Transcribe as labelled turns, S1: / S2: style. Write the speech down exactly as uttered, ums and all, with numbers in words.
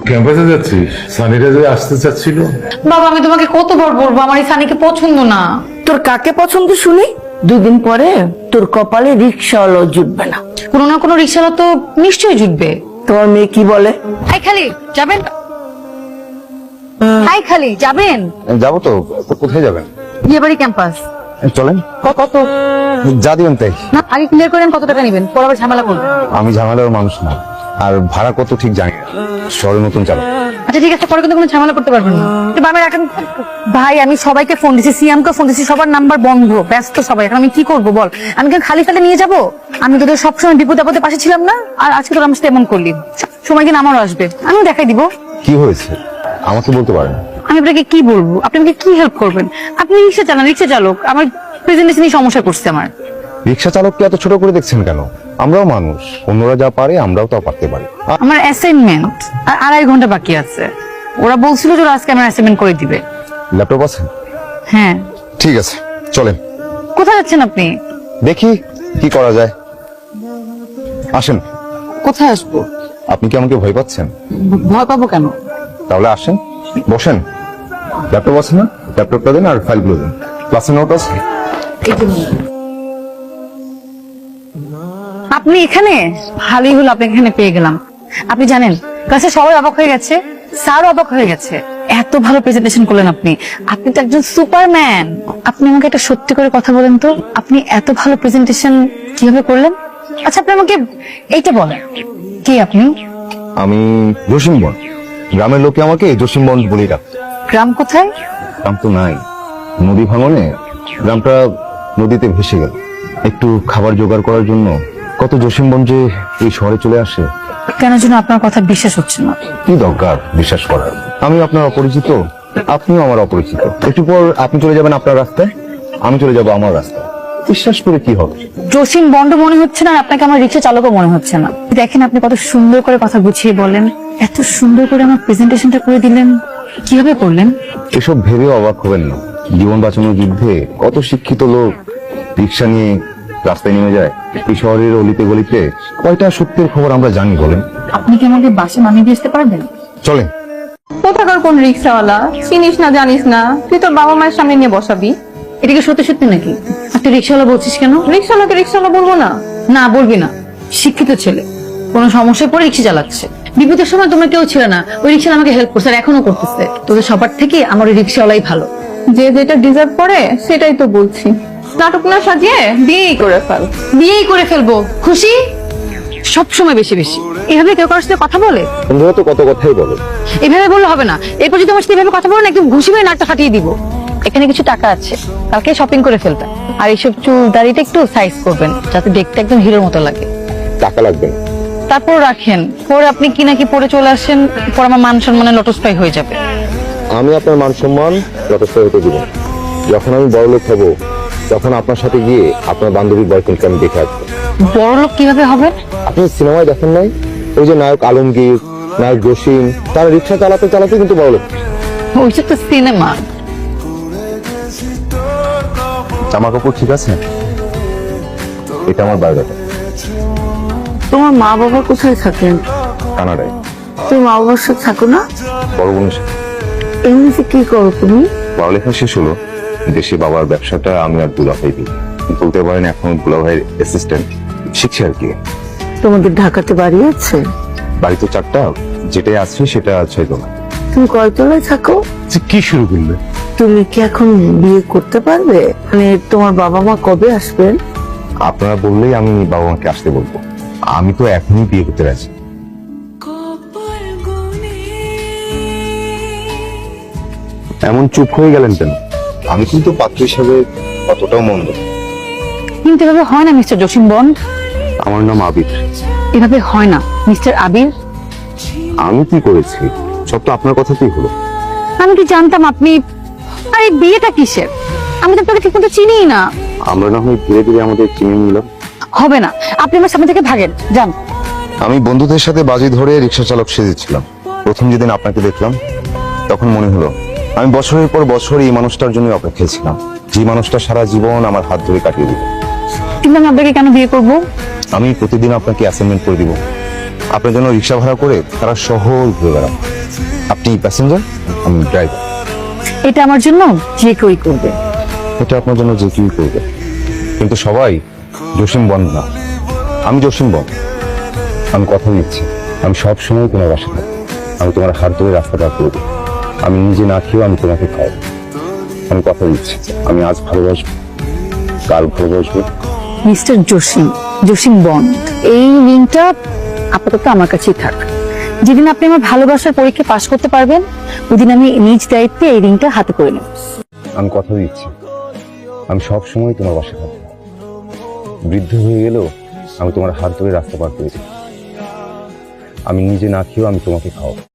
S1: ক্যাম্পাসে যাচ্ছিস? সানিরা যে আসতে চাচ্ছিল।
S2: বাবা আমি তোমাকে কতবার বলবো আমার এই সানিকে পছন্দ না।
S3: তোর কাকে পছন্দ শুনি? দুদিন পরে তোর কপালে রিক্সাওয়ালা জুটবে না।
S2: কোনো না কোনো রিক্সাওয়ালা তো নিশ্চয়ই জুটবে।
S3: তোমার মেয়ে কি বলে?
S2: হাই খালি যাবেন? হাই খালি যাবেন?
S4: যাবো তো। কোথায় যাবেন?
S2: বিয়ে বাড়ি ক্যাম্পাস।
S4: চলেন।
S2: কত?
S4: যা দিবেন তাই।
S2: না আগে ক্লিয়ার করেন কত টাকা নেবেন, পরে আবার ঝামেলা করবেন।
S4: আমি ঝামেলার মানুষ না, আর ভাড়া কত ঠিক জানি না, শহরে নতুন চালক।
S2: আচ্ছা ঠিক আছে, পরে কিন্তু কোনো ঝামেলা করতে পারবেন না। বাবা এখন ভাই আমি সবাইকে ফোন দিছি, সিয়ামকে ফোন দিছি, সবার নাম্বার বন্ধ, ব্যস্ত সবাই। এখন আমি কি করবো বল? আমি কেন খালি ফেলে নিয়ে যাবো? আমি তোদের সবসময় বিপদ আপদে পাশে ছিলাম না, আর আজকে তোর আমার সাথে এমন করলি। সময় কিন্তু আমারও আসবে, আমিও দেখাই দিব।
S4: কি হয়েছে আমাকে বলতে পারেন?
S2: আমি আপনাকে কি বলবো? আপনি আমাকে কি হেল্প করবেন? আপনি রিক্সা চালান, রিক্সা চালক, আমার প্রেজেন্টেশনই সমস্যা করছে আমার।
S4: রিক্সা চালককে এত ছোট করে দেখছেন কেন? আমরাও মানুষ, অন্যরা যা পারে আমরাও তা পারতে পারি। আ-
S2: আমার অ্যাসাইনমেন্ট আর আড়াই ঘন্টা বাকি আছে। ওরা বলছিল যে ওরা আজকে আমার অ্যাসাইনমেন্ট করে দিবে।
S4: ল্যাপটপ আছে?
S2: হ্যাঁ।
S4: ঠিক আছে চলেন।
S2: কোথায় যাচ্ছেন আপনি?
S4: দেখি কি করা যায়, আসেন।
S2: কোথায় আসবো?
S4: আপনি কি আমাকে ভয় পাচ্ছেন?
S2: ভয় পাবো কেন?
S4: তাহলে আসেন, বসেন। ল্যাপটপ আছে না? ল্যাপটপটা দেন আর ফাইলগুলো দেন। ক্লাসের নোট আছে?
S2: আপনি এখানে? ভালোই হলো আপনি এখানে পেয়ে গেলাম। আপনি জানেন ক্লাসে সবাই অবাক হয়ে গেছে, স্যারও অবাক হয়ে গেছে। এত ভালো প্রেজেন্টেশন করলেন আপনি। আপনি তো একজন সুপারম্যান। আপনি আমাকে একটা সত্যি করে কথা বলেন তো, আপনি এত ভালো প্রেজেন্টেশন কিভাবে করলেন? আচ্ছা আপনি আমাকে এইটা বলেন, কে আপনি?
S4: আমি জসিম বন। গ্রামের লোকে আমাকে জসিম বন বলেই ডাকত।
S2: গ্রাম কোথায়?
S4: গ্রাম তো নাই, নদী ভাঙনে গ্রামটা নদীতে ভেসে গেল। একটু খাবার জোগাড় করার জন্য কত জসিমবন যে এই শহরে চলে আসে।
S2: কেন যেন আপনার কথা বিশ্বাস হচ্ছে না।
S4: কি দরকার বিশ্বাস করার? আমি আপনার অপরিচিত, আপনিও আমার অপরিচিত। একটু পর আপনি চলে যাবেন আপনার রাস্তায়, আমি চলে যাব আমার রাস্তায়। বিশ্বাস করে কি হবে?
S2: জসিম বন্ড মনে হচ্ছে না, আপনাকে আমার রিক্সা চালকও মনে হচ্ছে না। দেখেন আপনি কত সুন্দর করে কথা গুছিয়ে বলেন, এত সুন্দর করে আমার প্রেজেন্টেশনটা করে দিলেন, কিভাবে করলেন?
S4: এসব ভেবেও অবাক হবেন না। জীবন বাঁচানোর যুদ্ধে কত শিক্ষিত লোক রিক্সা নিয়ে রাস্তায় নেমে যায়। এই শহরের অলিতে গলিতে কয়টা সত্যের খবর আমরা জানি বলেন?
S2: আপনি কি আমাকে বাসে নামিয়ে দিয়ে আসতে পারবেন?
S4: চলেন।
S5: কোথাকার কোন রিক্সাওয়ালা চিনিস না জানিস না, তুই তোর বাবা মায়ের সামনে নিয়ে বসাবি?
S2: এটা কি সত্যি সত্যি নাকি? তুই রিক্সাওয়ালা বলছিস কেন?
S5: রিক্সাওয়ালাকে রিক্সাওয়ালা বলবো না?
S2: না বলবি না, শিক্ষিত ছেলে, কোনো সমস্যায় পড়ে রিক্সা চালাচ্ছে। বিপদের সময় তোমরা কেউ ছিল না, ওই রিক্সা আমাকে হেল্প করছে, আর এখনো করতেছে। তোদের সবার থেকে আমার ওই রিক্সাওয়ালাই ভালো।
S5: যে যেটা ডিজার্ভ করে সেটাই তো বলছি। নাটক না সাজিয়ে বিয়েই করে ফেল।
S2: বিয়েই করে ফেলবো, খুশি? সব সময় বেশি বেশি এভাবে কেউ কারোর সাথে কথা বলে?
S4: বন্ধুরা তো কত কথাই বলে।
S2: এভাবে বললে হবে না। এরপর যদি আমার সাথে এভাবে কথা বলো না, একদম ঘুষি মেরে নাকটা ফাটিয়ে দিব। এখানে কিছু টাকা আছে, কালকে শপিং করে ফেলবেন। আর এইসব চুল দাড়িটা একটু সাইজ করবেন, যাতে দেখতে একদম হিরোর মতো লাগে।
S4: টাকা লাগবে না।
S2: তারপর রাখেন, পরে আপনি কি নাকি পরে চলে আসেন, পর আমার মান সম্মানে লটস্পাই হয়ে যাবে।
S4: আমি আপনার মান সম্মান যথেষ্ট হতে দিব। যখন আমি বড় লোক হবো তখন আপনার সাথে গিয়ে আপনার বান্ধবীর বয়ফ্রেন্ডকে আমি দেখে আসবো।
S2: বড় লোক কিভাবে হবে?
S4: আপনি সিনেমায় দেখেন নাই ওই যে নায়ক আলমগীর, নায়ক জসিম, তারা রিক্সা চালাতে চালাতে কিন্তু বড় লোক।
S2: ওইসব তো সিনেমা।
S4: জামা কাপড় ঠিক আছে? এটা আমার বায়োডাটা।
S3: তোমার মা বাবা কোথায় থাকেন?
S4: কানাডায়।
S3: তুমি মা বাবার সাথে থাকো না?
S4: বড় বোনের সাথে।
S3: এমনিতে কি করো তুমি?
S4: পড়ালেখা শেষ হলো, দেশে বাবার ব্যবসাটা আমি আর দুলাভাই দিই। বলতে পারেন এখন দুলাভাইয়ের অ্যাসিস্ট্যান্ট শিখছি আর কি।
S3: তোমাদের ঢাকাতে বাড়ি আছে?
S4: বাড়ি তো চারটা, যেটাই আছে সেটা ছয় তলা।
S3: তুমি কয়তলায় থাকো?
S4: কি শুরু করলে?
S3: তুমি কি এখন বিয়ে করতে পারবে? মানে তোমার বাবা মা কবে আসবেন?
S4: আপনারা বললেই আমি বাবা মাকে আসতে বলবো। আমি তো এখনই বিয়ে করতে রাজি। এমন চুপ হয়ে গেলেন কেন? আমি কিন্তু পাত্র হিসাবে অতটাও মন্দ।
S2: কিন্তু এভাবে হয় না মিস্টার জসিম বন্ড।
S4: আমার নাম আবির।
S2: এভাবে হয় না মিস্টার আবির।
S4: আমি কি করেছি? সব তো আপনার কথাতেই হলো।
S2: আমি কি জানতাম আপনি? আরে বিয়েটা কিসের? আমি তো আপনাকে ঠিক মতো চিনিই না।
S4: আমরা না হয় ধীরে ধীরে আমাদের চিনে নিলাম।
S2: হবে না, আপনি আমার সামনে থেকে ভাগেন, যান।
S4: আমি বন্ধুদের সাথে বাজি ধরে রিক্সা চালক সেজেছিলাম। প্রথম যেদিন আপনাকে দেখলাম তখন মনে হলো আমি বছরের পর বছর এই মানুষটার জন্য অপেক্ষায় ছিলাম, যে মানুষটা সারা জীবন আমার হাত ধরে কাটিয়ে দিল।
S2: কিন্তু আমি আপনাকে কেন বিয়ে করব?
S4: আমি প্রতিদিন আপনাকে অ্যাসাইনমেন্ট করে দিব, আপনার জন্য রিক্সা ভাড়া করে তারা শহর ঘুরে বেড়াবো। আপনি প্যাসেঞ্জার, আমি ড্রাইভার।
S2: এটা আমার জন্য যে কেউই করবে।
S4: এটা আপনার জন্য যে কেউই করবে, কিন্তু সবাই জসিম বন্দ না। আমি জসিম বন্দ। আমি কথা দিচ্ছি, আমি সব সময় তোমার বাসা থাকবো। আমি তোমার হাত ধরে রাস্তা পার করবো। আমি নিজে না খেয়েও আমি তোমাকে খাওয়াবো। আমি কথা দিচ্ছি, আমি আজ ভালোবাসবো, কাল ভালোবাসবো।
S2: মিস্টার জসিম, জসিম বন্ড, এই রিংটা আপাতত আমার কাছেই থাক। যেদিন আপনি আমার ভালোবাসার পরীক্ষা পাশ করতে পারবেন, ওদিন আমি নিজ দায়িত্বে এই রিংটা হাতে করে নেব।
S4: আমি কথা দিচ্ছি, আমি সব সময় তোমার বাসা থাকবো। বৃদ্ধ হয়ে গেলেও আমি তোমার হাত ধরে রাস্তা পার করে দেব। আমি নিজে না খেয়েও আমি তোমাকে খাওয়াবো।